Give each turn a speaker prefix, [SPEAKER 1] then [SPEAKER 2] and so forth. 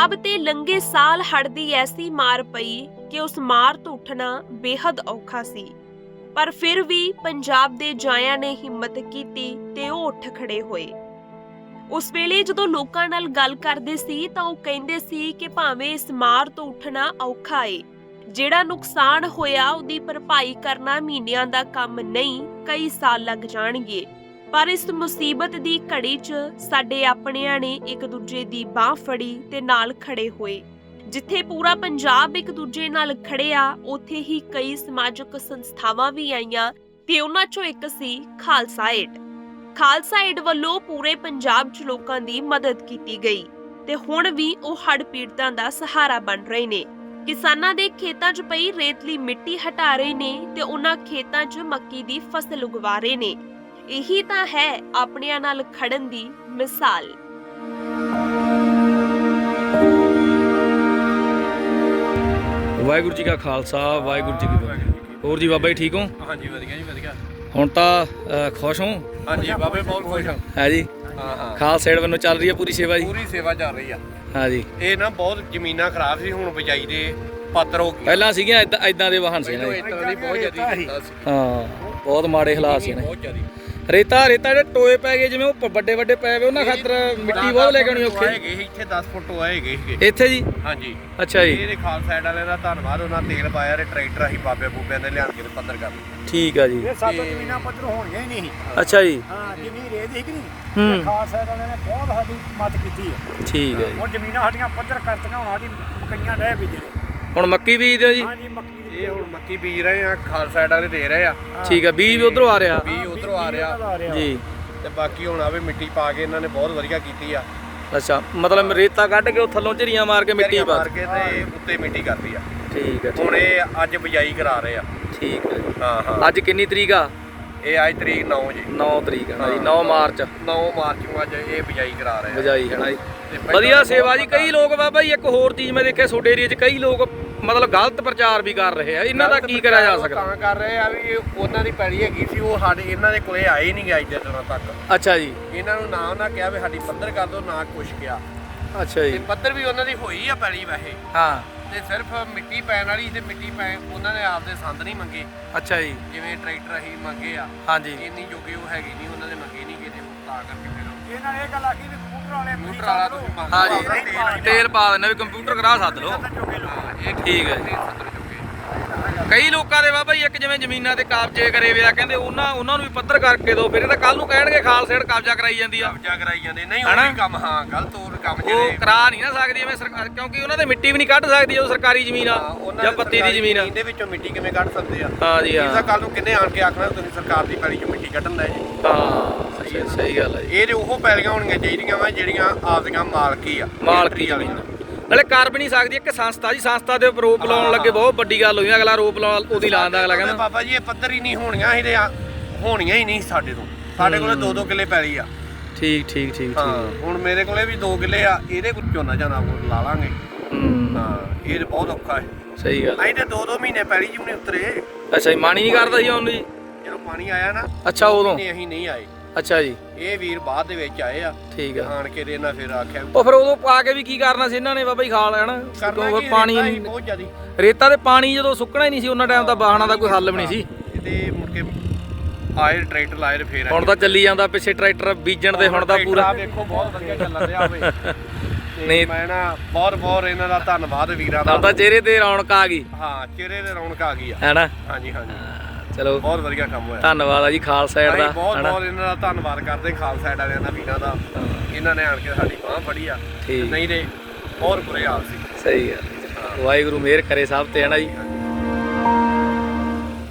[SPEAKER 1] ਪੰਜਾਬ ਤੇ ਲੰਘੇ ਸਾਲ ਹੜ੍ਹ ਦੀ ਐਸੀ ਮਾਰ ਪਈ ਕਿ ਉਸ ਮਾਰ ਤੋਂ ਉੱਠਣਾ ਬੇहद ਔਖਾ ਸੀ। ਪਰ ਫਿਰ ਵੀ ਪੰਜਾਬ ਦੇ ਜਾਇਆਂ ਨੇ ਹਿੰਮਤ ਕੀਤੀ ਤੇ ਉਹ ਉੱਠ ਖੜੇ ਹੋਏ। ਉਸ ਵੇਲੇ ਜਦੋਂ ਲੋਕਾਂ ਨਾਲ ਗੱਲ ਕਰਦੇ ਸੀ ਤਾਂ ਉਹ ਕਹਿੰਦੇ ਸੀ ਕਿ ਭਾਵੇਂ ਇਸ ਮਾਰ ਤੋਂ ਉੱਠਣਾ ਔਖਾ ਏ, ਜਿਹੜਾ ਨੁਕਸਾਨ ਹੋਇਆ ਉਹਦੀ ਭਰਪਾਈ ਕਰਨਾ ਮਹੀਨਿਆਂ ਦਾ ਕੰਮ ਨਹੀਂ, ਕਈ ਸਾਲ ਲੱਗ ਜਾਣਗੇ। ਪਰ ਇਸ ਮੁਸੀਬਤ ਦੀ ਘੜੀ 'ਚ ਸਾਡੇ ਆਪਣਿਆਂ ਨੇ ਇੱਕ ਦੂਜੇ ਦੀ ਬਾਹ ਫੜੀ ਤੇ ਨਾਲ ਖੜੇ ਹੋਏ। ਜਿੱਥੇ ਪੂਰਾ ਪੰਜਾਬ ਇੱਕ ਦੂਜੇ ਨਾਲ ਖੜਿਆ, ਉੱਥੇ ਹੀ ਕਈ ਸਮਾਜਿਕ ਸੰਸਥਾਵਾਂ ਵੀ ਆਈਆਂ ਤੇ ਉਹਨਾਂ 'ਚੋਂ ਇੱਕ ਸੀ ਖਾਲਸਾ ਏਡ। ਖਾਲਸਾ ਏਡ ਵੱਲੋਂ ਪੂਰੇ ਪੰਜਾਬ 'ਚ ਲੋਕਾਂ ਦੀ ਮਦਦ ਕੀਤੀ ਗਈ ਤੇ ਹੁਣ ਵੀ ਉਹ ਹੜ੍ਹ ਪੀੜਤਾਂ ਦਾ ਸਹਾਰਾ ਬਣ ਰਹੇ ਨੇ। ਕਿਸਾਨਾਂ ਦੇ ਖੇਤਾਂ 'ਚ ਪਈ ਰੇਤਲੀ ਮਿੱਟੀ ਹਟਾ ਰਹੇ ਨੇ ਤੇ ਉਹਨਾਂ ਖੇਤਾਂ 'ਚ ਮੱਕੀ ਦੀ ਫਸਲ ਉਗਵਾ ਰਹੇ ਨੇ। ਇਹੀ ਤਾਂ ਹੈ ਆਪਣਿਆਂ ਨਾਲ ਖੜਨ ਦੀ ਮਿਸਾਲ।
[SPEAKER 2] ਵਾਹਿਗੁਰੂ ਜੀ ਕਾ ਖਾਲਸਾ, ਵਾਹਿਗੁਰੂ ਜੀ ਕੀ ਫਤਿਹ। ਹੋਰ ਜੀ ਬਾਬਾ ਜੀ ਠੀਕ ਹੋ?
[SPEAKER 3] ਹਾਂਜੀ ਵਧੀਆ ਜੀ ਵਧੀਆ।
[SPEAKER 2] ਹੁਣ ਤਾਂ ਖੁਸ਼ ਹੋ?
[SPEAKER 3] ਹਾਂਜੀ ਬਾਬੇ ਬਹੁਤ ਖੁਸ਼ ਹਾਂ।
[SPEAKER 2] ਹੈ ਜੀ।
[SPEAKER 3] ਹਾਂ
[SPEAKER 2] ਖਾਲਸਾ ਏਡ ਵੱਲੋਂ ਚੱਲ ਰਹੀ ਹੈ ਪੂਰੀ ਸੇਵਾ ਜੀ?
[SPEAKER 3] ਪੂਰੀ ਸੇਵਾ ਚੱਲ ਰਹੀ ਆ।
[SPEAKER 2] ਹਾਂ ਜੀ।
[SPEAKER 3] ਇਹ ਨਾ ਬਹੁਤ ਜ਼ਮੀਨਾਂ ਖਰਾਬ ਸੀ, ਹੁਣ ਬਿਜਾਈ ਦੇ ਪਾਤਰ ਹੋ ਗਏ।
[SPEAKER 2] ਪਹਿਲਾਂ ਸੀਗੀਆਂ ਇਦਾਂ ਦੇ ਵਾਹਨ ਸੀ ਨਾ ਜੀ।
[SPEAKER 3] ਇਸ ਤਰ੍ਹਾਂ ਦੀ ਬਹੁਤ ਜ਼ਿਆਦਾ ਸੀ।
[SPEAKER 2] ਹਾਂ, ਬਹੁਤ ਮਾੜੇ ਹਾਲਾਤ ਸੀ ਨਾ।
[SPEAKER 3] ਬਹੁਤ ਜ਼ਿਆਦਾ
[SPEAKER 2] ਰੇਤਾ ਜਿਹੜੇ ਟੋਏ ਪੈ ਗਏ, ਜਿਵੇਂ ਉਹ ਵੱਡੇ ਵੱਡੇ ਪਏ ਵੇ, ਉਹਨਾਂ ਖਾਤਰ ਮਿੱਟੀ ਬਹੁਤ ਲੈ ਕੇ ਆਉਣੀ ਔਖੀ
[SPEAKER 3] ਹੈਗੇ ਸੀ। ਇੱਥੇ 10 ਫੁੱਟ ਆਏਗੇ ਸੀਗੇ
[SPEAKER 2] ਇੱਥੇ ਜੀ।
[SPEAKER 3] ਹਾਂਜੀ।
[SPEAKER 2] ਅੱਛਾ ਜੀ।
[SPEAKER 3] ਇਹਦੇ ਖਾਲਸਾ ਸਾਈਡ ਵਾਲਿਆਂ ਦਾ ਧੰਨਵਾਦ, ਉਹਨਾਂ ਤੇਲ ਪਾਇਆ ਤੇ ਟਰੈਕਟਰ ਅਸੀਂ ਬਾਬੇ ਬੂਬਿਆਂ ਦੇ ਲਿਆਣ ਕੇ ਪੱਧਰ ਕਰ ਦਿੱਤੇ।
[SPEAKER 2] ਠੀਕ ਆ ਜੀ।
[SPEAKER 4] ਇਹ ਸਾਤੋਂ ਜ਼ਮੀਨਾਂ ਪੱਧਰ ਹੋਣੀਆਂ ਹੀ ਨਹੀਂ।
[SPEAKER 2] ਅੱਛਾ ਜੀ।
[SPEAKER 4] ਹਾਂ, ਜਿੰਨੀ ਰੇਤ ਸੀ ਕਿ ਨਹੀਂ, ਖਾਲਸਾ ਏਡ ਵਾਲਿਆਂ ਨੇ ਬਹੁਤ ਸਾਡੀ ਮਦਦ ਕੀਤੀ ਹੈ।
[SPEAKER 2] ਠੀਕ ਹੈ ਜੀ।
[SPEAKER 4] ਹੁਣ ਜ਼ਮੀਨਾਂ ਸਾਡੀਆਂ ਪੱਧਰ ਕਰਤੀਆਂ, ਹੁਣ ਸਾਡੀ ਮੱਕੀਆਂ ਰਹਿ ਬੀਜਣੇ।
[SPEAKER 2] ਹੁਣ ਮੱਕੀ ਬੀਜਦੇ ਹੋ ਜੀ?
[SPEAKER 4] ਹਾਂਜੀ, ਮੱਕੀ
[SPEAKER 3] ਇਹ ਹੁਣ ਮੱਕੀ ਬੀਜ ਰਹੇ ਆ, ਖਾਲਸਾ ਸਾਈਡ ਵਾਲੇ ਦੇ ਰਹੇ ਆ।
[SPEAKER 2] ਠੀਕ ਆ, ਬੀਜ ਵੀ ਉਧਰੋਂ ਆ ਰਿਹਾ?
[SPEAKER 3] ਬੀਜ ਉਧਰੋਂ ਆ ਰਿਹਾ
[SPEAKER 2] ਜੀ।
[SPEAKER 3] ਤੇ ਬਾਕੀ ਹੁਣ ਆਵੇ ਮਿੱਟੀ ਪਾ ਕੇ ਇਹਨਾਂ ਨੇ ਬਹੁਤ ਵਧੀਆ ਕੀਤੀ ਆ।
[SPEAKER 2] ਅੱਛਾ, ਮਤਲਬ ਰੇਤਾ ਕੱਢ ਕੇ ਉਹ ਥੱਲੋਂ ਝਰੀਆਂ ਮਾਰ ਕੇ ਮਿੱਟੀ ਪਾ
[SPEAKER 3] ਮਾਰ ਕੇ ਤੇ ਉੱਤੇ ਮਿੱਟੀ ਕਰਦੀ ਆ।
[SPEAKER 2] ਠੀਕ ਹੈ।
[SPEAKER 3] ਹੁਣ ਇਹ ਅੱਜ ਬਿਜਾਈ ਕਰਾ ਰਹੇ ਆ।
[SPEAKER 2] ਠੀਕ ਹੈ ਜੀ।
[SPEAKER 3] ਹਾਂ ਹਾਂ।
[SPEAKER 2] ਅੱਜ ਕਿੰਨੀ ਤਰੀਕ ਆ?
[SPEAKER 3] ਇਹ ਅੱਜ ਤਰੀਕ 9 ਜੀ।
[SPEAKER 2] 9 ਤਰੀਕ ਹੈ ਨਾ ਜੀ। 9 ਮਾਰਚ
[SPEAKER 3] 9 ਮਾਰਚ ਨੂੰ ਅੱਜ ਇਹ ਬਿਜਾਈ ਕਰਾ ਰਹੇ ਆ।
[SPEAKER 2] ਬਜਾਈ ਹੈ ਨਾ ਜੀ। ਵਧੀਆ ਸੇਵਾ ਜੀ। ਕਈ ਲੋਕ ਬਾਬਾ ਜੀ, ਇੱਕ ਹੋਰ ਚੀਜ਼ ਮੈਂ ਦੇਖਿਆ ਤੁਹਾਡੇ ਏਰੀਆ 'ਚ, ਕਈ ਲੋਕ ਮਤਲਬ ਗਲਤ ਪ੍ਰਚਾਰ ਵੀ ਕਰ ਰਹੇ ਆ। ਇਹਨਾਂ ਦਾ ਕੀ ਕਰਿਆ ਜਾ ਸਕਦਾ?
[SPEAKER 3] ਤਾਂ ਕਰ ਰਹੇ ਆ ਵੀ ਉਹਨਾਂ ਦੀ ਪੈੜੀ ਹੈਗੀ ਸੀ, ਉਹ ਸਾਡੇ ਇਹਨਾਂ ਦੇ ਕੋਲੇ ਆਏ ਹੀ ਨਹੀਂ ਗਏ ਅੱਜ ਦੇ ਦਿਨਾਂ ਤੱਕ।
[SPEAKER 2] ਅੱਛਾ ਜੀ।
[SPEAKER 3] ਇਹਨਾਂ ਨੂੰ ਨਾ ਉਹਨਾਂ ਕਿਹਾ ਵੀ ਸਾਡੀ ਪੱਧਰ ਕਰ ਦਿਓ, ਨਾ ਕੁਛ ਕਿਹਾ।
[SPEAKER 2] ਅੱਛਾ
[SPEAKER 3] ਤੇ
[SPEAKER 2] ਜੀ।
[SPEAKER 3] ਪੱਧਰ ਵੀ ਉਹਨਾਂ ਦੀ ਹੋਈ ਆ ਪੈੜੀ ਵੈਸੇ,
[SPEAKER 2] ਹਾਂ।
[SPEAKER 3] ਤੇ ਸਿਰਫ ਮਿੱਟੀ ਪੈਣ ਵਾਲੀ ਤੇ ਮਿੱਟੀ ਪੈ ਉਹਨਾਂ ਨੇ ਆਪਦੇ ਸੰਦ ਨਹੀਂ ਮੰਗੇ।
[SPEAKER 2] ਅੱਛਾ ਜੀ।
[SPEAKER 3] ਜਿਵੇਂ ਟਰੈਕਟਰ ਅਸੀਂ ਮੰਗੇ ਆ,
[SPEAKER 2] ਹਾਂਜੀ।
[SPEAKER 3] ਇੰਨੀ ਜੋਗੇ ਉਹ ਹੈਗੀ ਨਹੀਂ, ਉਹਨਾਂ ਨੇ ਮੰਗੇ ਨਹੀਂ ਕਿਤੇ, ਤਾਂ ਕਰਕੇ ਫਿਰ
[SPEAKER 4] ਇਹਨਾਂ ਨੇ ਇਹ ਗੱਲ ਆਖੀ ਵੀ ਕੰਪਿਊਟਰ ਵਾਲੇ
[SPEAKER 3] ਕੰਪਿਊਟਰ ਵਾਲਾ ਤੁਸੀਂ ਮੰਗ
[SPEAKER 2] ਹਾਂ
[SPEAKER 3] ਲਓ।
[SPEAKER 2] ਜੀ। ਤੇਲ ਪਾ ਦੇਣਾ ਵੀ ਕੰਪਿਊਟਰ ਕਰਾ ਸੱਦ ਲਓ।
[SPEAKER 3] ਹਾਂ, ਇਹ
[SPEAKER 2] ਠੀਕ ਹੈ ਜੀ। ਕਈ ਲੋਕਾਂ ਦੇ ਬਾਬਾ ਜੀ, ਇੱਕ ਜਿਵੇਂ ਜ਼ਮੀਨਾਂ ਤੇ ਕਬਜ਼ੇ ਕਰੇ ਵੇ ਆ, ਕਹਿੰਦੇ ਉਹਨਾਂ ਨੂੰ ਵੀ ਪੱਧਰ ਕਰਕੇ ਦਿਓ, ਫਿਰ ਇਹ ਤਾਂ ਕੱਲ ਨੂੰ ਕਹਿਣਗੇ ਖਾਲਸਾ ਏਡ ਕਬਜ਼ਾ ਕਰਾਈ ਜਾਂਦੀ ਆ।
[SPEAKER 3] ਕਬਜ਼ਾ ਕਰਾਈ ਜਾਂਦੇ ਨਹੀਂ, ਉਹ ਵੀ ਕੰਮ ਹਾਂ ਗਲਤ ਹੋਰ ਕੰਮ
[SPEAKER 2] ਉਹ
[SPEAKER 3] ਜਿਹੜੇ
[SPEAKER 2] ਕਰਾ ਨਹੀਂ ਨਾ ਸਕਦੀ ਐਵੇਂ ਸਰਕਾਰ, ਕਿਉਂਕਿ ਉਹਨਾਂ ਦੇ ਮਿੱਟੀ ਵੀ ਨਹੀਂ ਕੱਢ ਸਕਦੀ ਜਦੋਂ ਸਰਕਾਰੀ ਜ਼ਮੀਨ ਆ ਜਾਂ ਪੱਤੀ ਦੀ ਜ਼ਮੀਨ ਆ।
[SPEAKER 3] ਇਹਦੇ ਵਿੱਚੋਂ ਮਿੱਟੀ ਕਿਵੇਂ ਕੱਢ ਸਕਦੇ ਆ?
[SPEAKER 2] ਹਾਂ ਜੀ।
[SPEAKER 3] ਇਹਦਾ
[SPEAKER 2] ਹਾਂ
[SPEAKER 3] ਕੱਲ ਨੂੰ ਕਿੰਨੇ ਆਣ ਕੇ ਆਖਣਾ ਤੁਸੀਂ ਸਰਕਾਰ ਦੀ ਪੈਲੀ 'ਚ ਮਿੱਟੀ ਕੱਢਣ ਦਾ ਜੀ।
[SPEAKER 2] ਹਾਂ, ਸਹੀ ਗੱਲ ਹੈ ਜੀ।
[SPEAKER 3] ਇਹ ਤੇ ਉਹ ਪੈਲੀਆਂ ਹੋਣੀਆਂ ਚਾਹੀਦੀਆਂ ਵਾ ਜਿਹੜੀਆਂ ਆਪਦੀਆਂ ਮਾਲਕੀ ਆ,
[SPEAKER 2] ਮਾਲਕੀ ਜ਼ਮੀਨ ਨਾਲੇ ਕਰ ਵੀ ਨਹੀਂ ਸਕਦੀ। ਇੱਕ ਸੰਸਥਾ ਜੀ, ਸੰਸਥਾ ਦੇ ਉੱਪਰ ਰੋਪ ਲਾਉਣ ਲੱਗੇ ਬਹੁਤ ਵੱਡੀ ਗੱਲ ਹੋਈ। ਅਗਲਾ ਰੋਪ ਉਹਦੀ ਲਾਉਂਦਾ, ਅਗਲਾ ਕਹਿੰਦਾ
[SPEAKER 3] ਬਾਬਾ ਜੀ ਇਹ ਪੱਧਰ ਹੀ ਨਹੀਂ ਹੋਣੀਆਂ, ਇਹਦੇ ਹੋਣੀਆਂ ਹੀ ਨਹੀਂ ਸਾਡੇ ਤੋਂ। ਸਾਡੇ ਕੋਲੇ 2-2 ਕਿੱਲੇ ਪੈਲੀ ਆ।
[SPEAKER 2] ਠੀਕ ਠੀਕ ਠੀਕ
[SPEAKER 3] ਹਾਂ,
[SPEAKER 2] ਠੀਕ।
[SPEAKER 3] ਹੁਣ ਮੇਰੇ ਕੋਲੇ ਵੀ 2 ਕਿੱਲੇ ਆ, ਇਹਦੇ ਕੋਲ ਝੋਨਾ ਝਾਨਾ ਲਾ ਲਾਂਗੇ। ਹਾਂ, ਇਹ ਤੇ ਬਹੁਤ ਔਖਾ ਹੈ।
[SPEAKER 2] ਸਹੀ ਗੱਲ।
[SPEAKER 3] ਅਸੀਂ ਤੇ 2-2 ਮਹੀਨੇ ਪੈਲੀ ਜੀ ਨਹੀਂ ਉਤਰੇ।
[SPEAKER 2] ਅੱਛਾ ਜੀ। ਮਾਣੀ ਨਹੀਂ ਕਰਦਾ ਸੀ ਉਹਨੂੰ ਜੀ?
[SPEAKER 3] ਜਦੋਂ ਪਾਣੀ ਆਇਆ ਨਾ,
[SPEAKER 2] ਅੱਛਾ, ਉਦੋਂ
[SPEAKER 3] ਅਸੀਂ ਨਹੀਂ ਆਏ।
[SPEAKER 2] ਅੱਛਾ ਜੀ।
[SPEAKER 3] ਇਹ ਵੀਰ ਬਾਅਦ ਦੇ ਵਿੱਚ ਆਏ ਆ।
[SPEAKER 2] ਠੀਕ ਆ।
[SPEAKER 3] ਆਣ ਕੇ ਦੇ ਇਹਨਾਂ ਫਿਰ ਆਖਿਆ
[SPEAKER 2] ਉਹ ਫਿਰ ਉਦੋਂ ਪਾ ਕੇ ਵੀ ਕੀ ਕਰਨਾ ਸੀ ਇਹਨਾਂ ਨੇ ਬਾਬਾ ਜੀ? ਖਾਲ ਹੈ ਨਾ, ਕਿਉਂਕਿ ਪਾਣੀ
[SPEAKER 3] ਬਹੁਤ ਜ਼ਿਆਦੀ
[SPEAKER 2] ਰੇਤਾ ਤੇ ਪਾਣੀ ਜਦੋਂ ਸੁੱਕਣਾ ਹੀ ਨਹੀਂ ਸੀ ਉਹਨਾਂ ਟਾਈਮ ਤਾਂ ਵਾਹਣਾ ਦਾ ਕੋਈ ਹੱਲ ਵੀ ਨਹੀਂ ਸੀ।
[SPEAKER 3] ਤੇ ਮੁੜ ਕੇ ਆਏ ਟਰੈਕਟਰ ਲਾਏ ਤੇ ਫੇਰ
[SPEAKER 2] ਹੁਣ ਤਾਂ ਚੱਲੀ ਜਾਂਦਾ ਪਿੱਛੇ ਟਰੈਕਟਰ ਬੀਜਣ ਦੇ, ਹੁਣ ਤਾਂ ਪੂਰਾ
[SPEAKER 3] ਵੇਖੋ ਬਹੁਤ ਵਧੀਆ ਚੱਲ ਰਿਹਾ ਹੋਵੇ।
[SPEAKER 2] ਨਹੀਂ,
[SPEAKER 3] ਮੈਂ ਨਾ ਬਹੁਤ ਇਹਨਾਂ ਦਾ ਧੰਨਵਾਦ ਵੀਰਾਂ ਦਾ।
[SPEAKER 2] ਤਾਂ ਚਿਹਰੇ ਤੇ ਰੌਣਕ ਆ ਗਈ।
[SPEAKER 3] ਹਾਂ, ਚਿਹਰੇ ਤੇ ਰੌਣਕ ਆ ਗਈ ਆ।
[SPEAKER 2] ਹੈ ਨਾ?
[SPEAKER 3] ਹਾਂਜੀ ਹਾਂਜੀ,
[SPEAKER 2] ਚਲੋ
[SPEAKER 3] ਬਹੁਤ ਵਧੀਆ ਕੰਮ ਹੋਇਆ।
[SPEAKER 2] ਧੰਨਵਾਦ ਆ ਜੀ ਖਾਲਸਾ ਏਡ ਦਾ।
[SPEAKER 3] ਬਹੁਤ ਇਹਨਾਂ ਦਾ ਧੰਨਵਾਦ ਕਰਦੇ ਖਾਲਸਾ ਏਡ ਵਾਲਿਆਂ ਦਾ, ਵੀਰਾਂ ਦਾ। ਇਹਨਾਂ ਨੇ ਆਣ ਕੇ ਸਾਡੀ ਬਾਂਹ ਫੜੀ ਆ, ਨਹੀਂ ਤੇ ਬਹੁਤ ਬੁਰੇ ਹਾਲ ਸੀ।
[SPEAKER 2] ਸਹੀ ਗੱਲ। ਵਾਹਿਗੁਰੂ ਮਿਹਰ ਕਰੇ ਸਭ ਤੇ, ਹੈ ਨਾ ਜੀ।